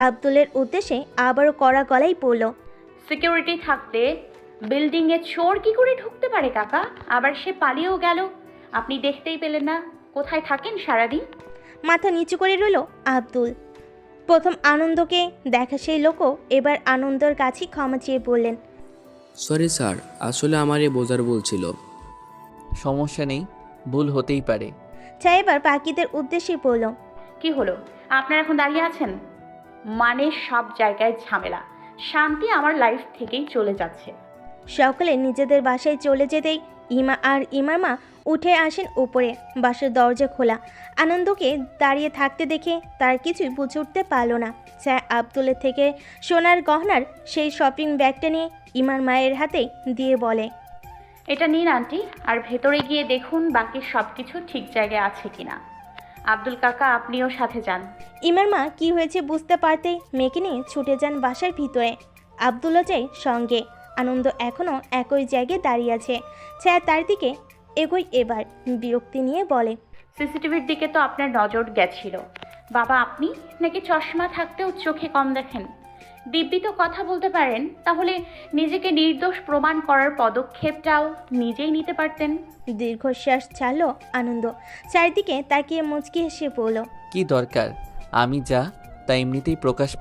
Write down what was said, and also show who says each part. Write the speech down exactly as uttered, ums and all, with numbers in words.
Speaker 1: আব্দুলের উদ্দেশ্যে আবারও কড়া গলায় বলল,
Speaker 2: সিকিউরিটি থাকতে বিল্ডিংয়ে চোর কি করে ঢুকতে পারে কাকা? আবার সে পালিয়েও গেল, আপনি দেখতেই পেলেন না। কোথায় থাকেন সারাদিন?
Speaker 1: মাথা নিচু করে রইল আব্দুল। প্রথম আনন্দকে দেখা সেই লোকও এবার আনন্দর কাছে ক্ষমা চেয়ে বললেন,
Speaker 3: সরি স্যার, আসলে আমার এ বোঝার ভুল ছিল।
Speaker 4: সমস্যা নেই, ভুল হতেই পারে।
Speaker 1: চা এবার বাকিদের উদ্দেশ্যে বলল,
Speaker 2: কি হলো, আপনারা এখন দাঁড়িয়ে আছেন? মানে সব জায়গায় ঝামেলা, শান্তি আমার লাইফ থেকেই চলে যাচ্ছে।
Speaker 1: সকলে নিজেদের বাসায় চলে যেতেই ইমা আর ইমার মা উঠে আসেন উপরে। বাসার দরজা খোলা। আনন্দকে দাঁড়িয়ে থাকতে দেখে তার কিছুই বুঝে উঠতে পারল না। চা আব্দুলের থেকে সোনার গহনার সেই শপিং ব্যাগটা নিয়ে ইমার মায়ের হাতে দিয়ে বলে,
Speaker 2: এটা নিন আন্টি, আর ভেতরে গিয়ে দেখুন বাকি সব কিছু ঠিক জায়গায় আছে কিনা। আব্দুল কাকা, আপনিও সাথে যান।
Speaker 1: ইমার মা কি হয়েছে বুঝতে পারতেই মেয়েকে নিয়ে ছুটে যান বাসার ভিতরে। আব্দুলও যায় সঙ্গে। আনন্দ এখনও একই জায়গায় দাঁড়িয়ে আছে। ছায়া তার দিকে এগোয় এবার বিরক্তি নিয়ে বলে,
Speaker 2: সিসিটিভির দিকে তো আপনার নজর গেছিল। বাবা, আপনি নাকি চশমা থাকতেও চোখে কম দেখেন? দিব্যি তো কথা বলতে পারেন, তাহলে নিজেকে নির্দোষ প্রমাণ করার পদক্ষেপটাও নিজেই নিতে পারতেন।
Speaker 1: দীর্ঘশ্বাস ছাড়ল আনন্দ। চারিদিকে তাকিয়ে মুচকি হেসে বলল,
Speaker 4: কি দরকার? আমি যা তা এমনিতেই প্রকাশ